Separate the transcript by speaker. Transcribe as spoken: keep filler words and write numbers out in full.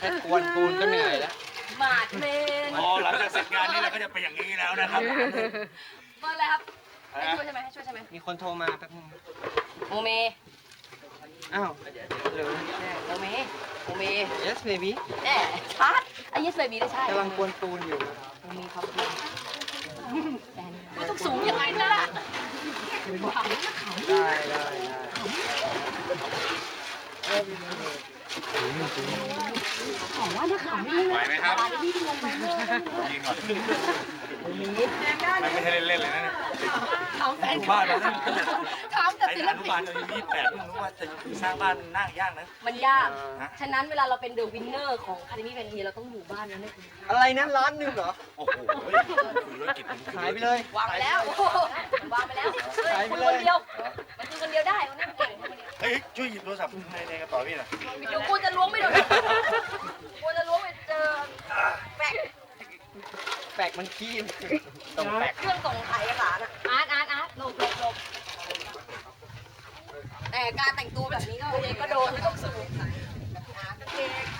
Speaker 1: แค่กวนปูนก็เหนื่อยแล้ว
Speaker 2: หมาดเมน
Speaker 3: พอหลังจากเสร็จงานนี้เราก็จะเป็นอย่างนี้แล้วนะครับ
Speaker 2: เบอร์อะไรครับให้ช่วยใช่ไหมให้ช่วยใช่ไหม
Speaker 1: มีคนโทรมาแป๊บนึง
Speaker 2: โมเม
Speaker 1: อ้าวหรือ
Speaker 2: โมเมโมเม
Speaker 1: yes baby
Speaker 2: แน่ชัดไอ้ยิสเบบีได้ใช่
Speaker 1: กำลังกวนปูนอยู่
Speaker 2: โมเมครับไม่ต้องสูงยังไงนะล่ะ
Speaker 1: ได้ได้ได้
Speaker 4: ไหวไหมครับ
Speaker 3: ยิงก่อนมันไม่ใช่เล่นๆเลยนะเนี่ย
Speaker 2: ถามแฟน
Speaker 3: อยู่บ้านเราเนี่ย
Speaker 2: ถามแต่
Speaker 3: ไอ้
Speaker 2: ศิล
Speaker 3: อนุ
Speaker 2: ปิ
Speaker 3: บาล
Speaker 2: น
Speaker 3: เรายังมีแปดเพิ่งรู้ว่าจะสร้างบ้านน่ายากนะ
Speaker 2: มันยาก ฉะนั้นเวลาเราเป็นเดอะวินเนอร์ของคาเดมี่แฟนทีเราต้องอยู่บ้านนั้นเลย
Speaker 1: อะไรนะร้านหนึ่งเหรอ
Speaker 3: โอ้โหคุยธุรกิจ
Speaker 1: ขายไปเลย
Speaker 2: วางไปแล้วโอ้โหวางไปแล้วเฮ้ยคุยคนเดียว มันคุยคนเดียวได้มันนั่งเก่งคนเดียว
Speaker 3: เฮ้ยช่วยหยิบโทรศัพท์ในในกระเป๋าพี่หน่อย
Speaker 2: เดี๋ยวกูจะล้วงไม่โดนกูจะล้วงไปเจอแปะ
Speaker 1: แปลกมันขี้ตรงแปลก
Speaker 2: เครื่องส่งถ่ายเอกสารอะอาร์ตอาร์ตอาร์ตหลบหลบหลบแต่การแต่งตัวแบบนี้ก็เองก็โดนไม่ต้องสูงอาร์ตเก่ง